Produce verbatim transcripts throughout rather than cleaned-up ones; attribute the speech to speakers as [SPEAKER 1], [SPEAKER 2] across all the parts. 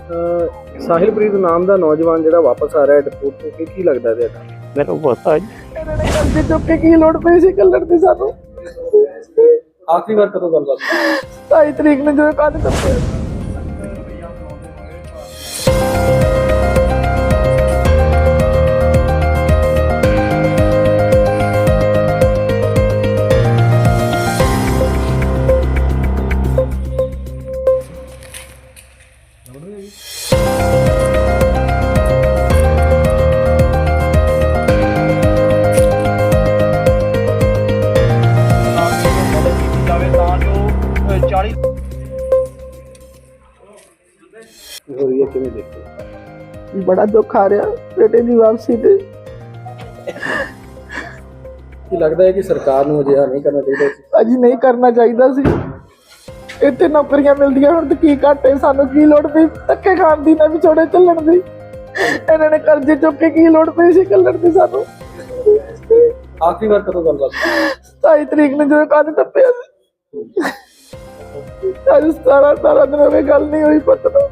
[SPEAKER 1] ਸਾਹਿਲਪ੍ਰੀਤ ਨਾਮ ਦਾ ਨੌਜਵਾਨ ਜਿਹੜਾ ਵਾਪਸ ਆ ਰਿਹਾ ਡਿਪੋਰਟ ਤੋਂ, ਕੀ ਲੱਗਦਾ ਤੁਹਾਡਾ?
[SPEAKER 2] ਮੇਰਾ ਪਤਾ ਜੀ
[SPEAKER 3] ਇਹਨਾਂ ਨੇ ਕਰਜ਼ੇ ਚੁੱਕ ਕੇ ਕੀ ਲੋੜ ਪਈ ਸੀ ਕੱਲਣ ਦੀ ਸਾਨੂੰ।
[SPEAKER 1] ਆਖਰੀ ਵਾਰ ਕਦੋਂ ਗੱਲਬਾਤ?
[SPEAKER 3] ਸਤਾਈ ਤਰੀਕ ਨੂੰ ਜਦੋਂ ਕੰਨ ਟੱਪਿਆ।
[SPEAKER 1] ਹੋ ਰਹੀ ਹੈ, ਕਿਵੇਂ ਦੇਖੋ?
[SPEAKER 3] ਬੜਾ ਦੁੱਖ ਆ ਰਿਹਾ ਬੇਟੇ ਦੀ ਵਾਪਸੀ ਤੇ।
[SPEAKER 1] ਕੀ ਲੱਗਦਾ ਹੈ ਕਿ ਸਰਕਾਰ ਨੂੰ ਅਜਿਹਾ ਨਹੀਂ ਕਰਨਾ ਚਾਹੀਦਾ ਸੀ?
[SPEAKER 3] ਅਜੀ ਨਹੀਂ ਕਰਨਾ ਚਾਹੀਦਾ ਸੀ। ਇੱਥੇ ਨੌਕਰੀਆਂ ਮਿਲਦੀਆਂ ਹੁਣ ਤੇ ਕੀ ਘਾਟੇ ਸਾਨੂੰ, ਕੀ ਲੋੜ ਪਈ ਧੱਕੇ ਖਾਣ ਦੀ ਨਾ ਵਿਛੋੜੇ ਚੱਲਣ ਦੀ। ਇਹਨਾਂ ਨੇ ਕਰਜ਼ੇ ਚੁੱਕ ਕੇ ਕੀ ਲੋੜ ਪਈ ਸੀ ਕੱਲਣ ਦੀ ਸਾਨੂੰ।
[SPEAKER 1] ਆਖਰੀ ਵਾਰ ਕਦੋਂ ਗੱਲਬਾਤ?
[SPEAKER 3] ਸਤਾਈ ਤਰੀਕ ਨੂੰ ਜਦੋਂ ਕੰਨ ਟੱਪਿਆ ਸੀ। ਅੱਜ ਸਤਾਰਾਂ ਅਠਾਰਾਂ ਦਿਨ ਹੋ ਗਏ ਗੱਲ ਨਹੀਂ ਹੋਈ ਪੁੱਤ ਨੂੰ।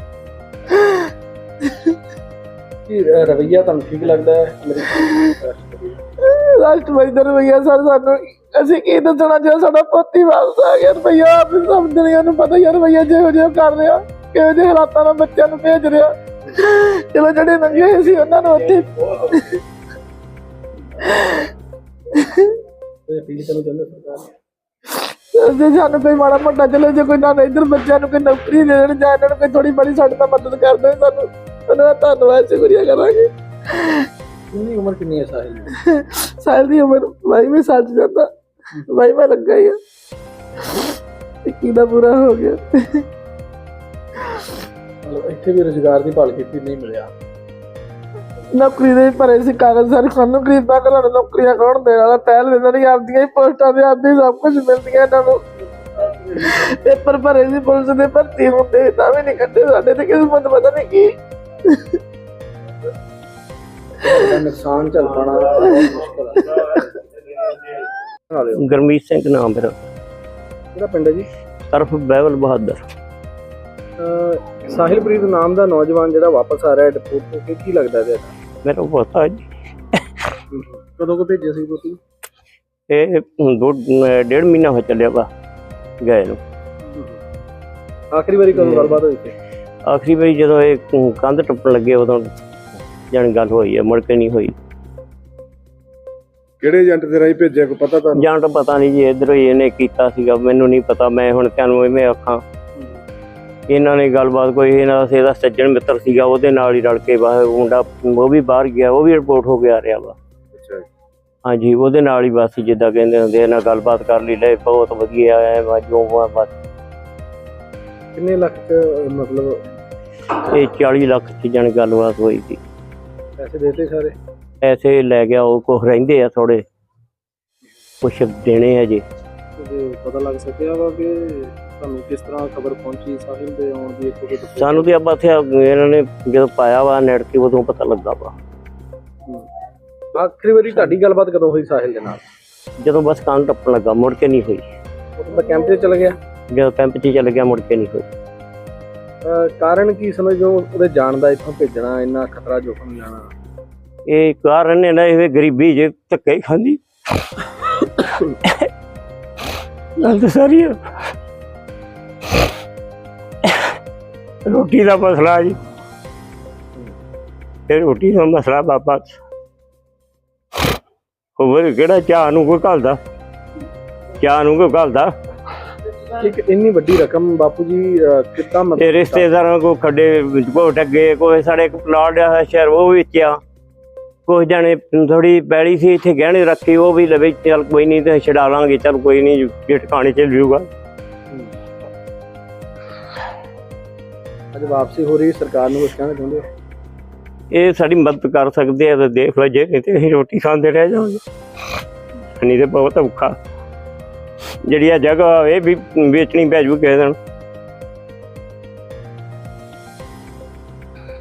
[SPEAKER 1] ਕੀ ਰਵੱਈਆ ਤੁਹਾਨੂੰ ਠੀਕ ਲੱਗਦਾ ਹੈ
[SPEAKER 3] ਰਾਸ਼ਟਰਪਤੀ ਦਾ ਰਵੱਈਆ? ਸਰ ਸਾਨੂੰ ਅਸੀਂ ਕੀ ਦੱਸਣਾ ਜੇ ਸਾਡਾ ਪੋਤੀ ਵਾਪਸ ਆ ਗਿਆ। ਰਵੱਈਆ ਆਪ ਹੀ ਸਭ ਦੁਨੀਆ ਨੂੰ ਪਤਾ ਯਾਰ ਰਵੱਈਆ ਜਿਹੋ ਜਿਹਾ ਕਰ ਰਿਹਾ, ਕਿਹੋ ਜਿਹੇ ਹਾਲਾਤਾਂ ਨਾਲ ਬੱਚਿਆਂ ਨੂੰ ਭੇਜ ਰਿਹਾ। ਚਲੋ ਜਿਹੜੇ ਨੰਗੇ ਹੋਏ ਸੀ ਉਹਨਾਂ ਨੂੰ ਉੱਥੇ
[SPEAKER 1] ਅਪੀਲ ਕਰਨਾ ਚਾਹੁੰਦੇ ਸਰਕਾਰ ਨੂੰ?
[SPEAKER 3] ਜੇ ਸਾਨੂੰ ਕੋਈ ਮਾੜਾ ਮੋਟਾ ਚਲੋ ਜੇ ਕੋਈ ਨਾ ਇੱਧਰ ਬੱਚਿਆਂ ਨੂੰ ਕੋਈ ਨੌਕਰੀ ਦੇ ਦੇਣ ਜਾਂ ਇਹਨਾਂ ਨੂੰ ਕੋਈ ਥੋੜੀ ਬੜੀ ਸਾਡੇ ਨਾਲ ਮਦਦ ਕਰ ਦੇਣ ਸਾਨੂੰ ਉਹਨਾਂ ਦਾ ਧੰਨਵਾਦ ਸ਼ੁਕਰੀਆ ਕਰਾਂਗੇ।
[SPEAKER 1] ਕਿੰਨੀ ਉਮਰ ਕਿੰਨੀ ਹੈ ਸਾਹਿਲ ਦੀ?
[SPEAKER 3] ਸਾਹਿਲ ਦੀ ਉਮਰ ਬਾਈਵੇਂ ਸਾਲ ਚ ਜਾਂਦਾ, ਬਾਈਵਾਂ ਲੱਗਾ ਹੀ ਆ। ਇੱਕੀ ਦਾ ਪੂਰਾ ਹੋ ਗਿਆ।
[SPEAKER 1] ਇੱਥੇ ਵੀ ਰੁਜ਼ਗਾਰ ਦੀ ਭਾਲ ਕੀਤੀ, ਨਹੀਂ ਮਿਲਿਆ।
[SPEAKER 3] ਨੌਕਰੀ ਦੇ ਭਰੇ ਸੀ ਕਾਗਜ਼ ਸਾਰੇ, ਸਾਨੂੰ ਗਰੀਬਾਂ ਘਰਾਂ ਨੂੰ ਨੌਕਰੀਆਂ ਕੌਣ ਦੇਣ ਵਾਲਾ? ਪਹਿਲ ਦਿੰਦਾ ਨਹੀਂ, ਆਪਦੀਆਂ ਹੀ ਪੋਸਟਾਂ ਤੇ ਆਪਦੀ ਸਭ ਕੁਝ ਮਿਲਦੀਆਂ ਇਹਨਾਂ ਨੂੰ। ਪੇਪਰ ਭਰੇ ਸੀ ਪੁਲਿਸ ਦੇ, ਭਰਤੀ ਹੁੰਦੇ ਤਾਂ ਵੀ ਨਹੀਂ ਕੱਢੇ ਸਾਡੇ ਤੇ। ਕਿਸਮਤ ਪਤਾ ਨਹੀਂ ਕੀ
[SPEAKER 1] ਨੁਕਸਾਨ ਝੱਲ ਪਾਉਣਾ ਮੁਸ਼ਕਲ ਹੈ।
[SPEAKER 2] ਗੁਰਮੀਤ ਸਿੰਘ ਨਾਮ ਮੇਰਾ।
[SPEAKER 1] ਕਿਹੜਾ ਪਿੰਡ ਹੈ ਜੀ?
[SPEAKER 2] ਤਰਫ ਬਹਿਬਲ ਬਹਾਦਰ।
[SPEAKER 1] ਸਾਹਿਲਪ੍ਰੀਤ ਨਾਮ ਦਾ ਨੌਜਵਾਨ ਜਿਹੜਾ ਵਾਪਸ ਆ ਰਿਹਾ ਡਿਪੋਰਟ ਤੋਂ, ਕੀ ਕੀ ਲੱਗਦਾ ਤੁਹਾਡਾ?
[SPEAKER 2] ਮੇਰਾ ਪਤਾ ਜੀ
[SPEAKER 1] ਕਦੋਂ ਕੋ ਭੇਜਿਆ ਸੀ ਤੁਸੀਂ?
[SPEAKER 2] ਇਹ ਦੋ ਡੇਢ ਮਹੀਨਾ ਹੋ ਚੱਲਿਆ ਵਾ ਗਏ ਨੂੰ।
[SPEAKER 1] ਆਖਰੀ ਵਾਰੀ ਕਦੋਂ ਗੱਲਬਾਤ ਹੋਈ ਸੀ?
[SPEAKER 2] ਆਖਰੀ ਵਾਰੀ ਜਦੋਂ ਇਹ ਕੰਧ ਟੱਪਣ ਲੱਗੇ ਉਦੋਂ ਜਾਣੀ ਗੱਲ ਹੋਈ ਹੈ, ਮੁੜ ਕੇ ਨਹੀਂ ਹੋਈ।
[SPEAKER 1] ਕਿਹੜੇ ਏਜੰਟ ਦੇ ਰਾਹੀਂ ਭੇਜਿਆ, ਕੋਈ ਪਤਾ ਤੁਹਾਨੂੰ?
[SPEAKER 2] ਜਾਂ ਤਾਂ ਪਤਾ ਨਹੀਂ ਜੀ, ਇੱਧਰੋਂ ਹੀ ਇਹਨੇ ਕੀਤਾ ਸੀਗਾ, ਮੈਨੂੰ ਨਹੀਂ ਪਤਾ। ਮੈਂ ਹੁਣ ਤੁਹਾਨੂੰ ਇਵੇਂ ਆਖਾਂ, ਇਹਨਾਂ ਨੇ ਗੱਲਬਾਤ ਕੋਈ ਇਹਨਾਂ ਦਾ ਇਹਦਾ ਸੱਜਣ ਮਿੱਤਰ ਸੀਗਾ, ਉਹਦੇ ਨਾਲ ਹੀ ਰਲ ਕੇ ਬਾਹਰ ਮੁੰਡਾ ਉਹ ਵੀ ਬਾਹਰ ਗਿਆ, ਉਹ ਵੀ ਰਿਪੋਰਟ ਹੋ ਕੇ ਆ ਰਿਹਾ ਵਾ। ਹਾਂਜੀ, ਉਹਦੇ ਨਾਲ ਹੀ ਬਸ ਜਿੱਦਾਂ ਕਹਿੰਦੇ ਹੁੰਦੇ ਇਹਨਾਂ ਗੱਲਬਾਤ ਕਰ ਲਈ, ਲੈ ਬਹੁਤ ਵਧੀਆ ਹੈ ਜੋ ਬਸ।
[SPEAKER 1] ਕਿੰਨੇ ਲੱਖ ਚ ਮਤਲਬ?
[SPEAKER 2] ਇਹ ਚਾਲੀ ਲੱਖ ਚ ਜਾਣੀ ਗੱਲਬਾਤ ਹੋਈ ਸੀ।
[SPEAKER 1] ਪੈਸੇ ਦੇਤੇ ਸਾਰੇ?
[SPEAKER 2] ਪੈਸੇ ਲੈ ਗਿਆ ਉਹ, ਕੁਛ ਰਹਿੰਦੇ ਆ ਥੋੜੇ, ਕੁਛ ਦੇਣੇ ਆ ਜੀ।
[SPEAKER 1] ਪਤਾ ਲੱਗ ਸਕਿਆ ਵਾ ਕਿ ਤੁਹਾਨੂੰ ਕਿਸ ਤਰ੍ਹਾਂ ਖਬਰ ਪਹੁੰਚੀ ਸਾਹਿਲ ਦੇ ਆਉਣ ਦੀ?
[SPEAKER 2] ਸਾਨੂੰ ਤੇ ਆਪਾਂ ਇੱਥੇ ਇਹਨਾਂ ਨੇ ਜਦੋਂ ਪਾਇਆ ਵਾ ਨੈਟ ਤੇ ਉਦੋਂ ਪਤਾ ਲੱਗਾ ਵਾ।
[SPEAKER 1] ਆਖਰੀ ਵਾਰੀ ਤੁਹਾਡੀ ਗੱਲਬਾਤ ਕਦੋਂ ਹੋਈ ਸਾਹਿਲ ਦੇ ਨਾਲ?
[SPEAKER 2] ਜਦੋਂ ਬਸ ਕੰਨ ਟੱਪਣ ਲੱਗਾ, ਮੁੜ ਕੇ ਨਹੀਂ ਹੋਈ।
[SPEAKER 1] ਉਦੋਂ ਤਾਂ ਕੈਂਪ 'ਚ ਚਲ ਗਿਆ?
[SPEAKER 2] ਜਦੋਂ ਕੈਂਪ 'ਚ ਚੱਲ ਗਿਆ ਮੁੜ ਕੇ ਨਹੀਂ ਹੋਈ।
[SPEAKER 1] ਕਾਰਨ ਕੀ ਸਮਝੋ ਉਹਦੇ ਜਾਣ ਦਾ, ਇੱਥੋਂ ਭੇਜਣਾ, ਇੰਨਾ ਖਤਰਾ ਜੋਖਮ ਲੈਣਾ?
[SPEAKER 2] ਇਹ ਕਾਰਨ ਇਹਨਾਂ ਇਹ ਗਰੀਬੀ ਜੇ ਧੱਕੇ ਖਾਂਦੀ ਗੱਲ ਤਾਂ ਸਾਰੀ ਆ। ਰੋਟੀ ਦਾ ਮਸਲਾ ਜੀ, ਇਹ ਰੋਟੀ ਦਾ ਮਸਲਾ ਬਾਬਾ। ਹੋਰ ਕਿਹੜਾ ਚਾਹ ਨੂੰ ਕੋਈ ਘੱਲਦਾ, ਚਾਹ ਨੂੰ ਕੋਈ ਘੱਲਦਾ।
[SPEAKER 1] ਇੱਕ ਇੰਨੀ ਵੱਡੀ ਰਕਮ ਬਾਪੂ ਜੀ ਕਿੱਦਾਂ?
[SPEAKER 2] ਇਹ ਰਿਸ਼ਤੇਦਾਰਾਂ ਕੋ ਖੱਡੇ ਕੋ ਡੱਗੇ, ਕੋਈ ਸਾਡੇ ਇੱਕ ਪਲਾਟ ਆ ਸ਼ਹਿਰ ਉਹ ਵੇਚਿਆ, ਕੁਛ ਜਾਣੇ ਥੋੜੀ ਪੈਲੀ ਸੀ ਇੱਥੇ ਗਹਿਣੇ ਰੱਖੀ, ਉਹ ਵੀ ਲਵੇ ਚੱਲ ਕੋਈ ਨਹੀਂ ਤੇ ਛਡਾ ਲਾਂਗੇ, ਚੱਲ ਕੋਈ ਨਹੀਂ ਜੇ ਟਿਕਾਣੇ ਚੱਲ ਜੂਗਾ। ਅੱਜ ਵਾਪਸੀ ਹੋ ਰਹੀ, ਸਰਕਾਰ ਨੂੰ ਕੁਛ ਕਹਿਣਾ ਚਾਹੁੰਦੇ ਹੋ? ਇਹ ਸਾਡੀ ਮਦਦ ਕਰ ਸਕਦੇ ਆ ਤਾਂ ਦੇਖ ਲਓ, ਜੇ ਨਹੀਂ ਤੇ ਅਸੀਂ ਰੋਟੀ ਖਾਂਦੇ ਰਹਿ ਜਾਵਾਂਗੇ। ਨਹੀਂ ਤੇ ਬਹੁਤ ਔਖਾ। ਜਿਹੜੀ ਆ ਜਗ੍ਹਾ ਇਹ ਵੀ ਵੇਚਣੀ ਪੈ ਜੂ ਕਿਸੇ ਦਿਨ।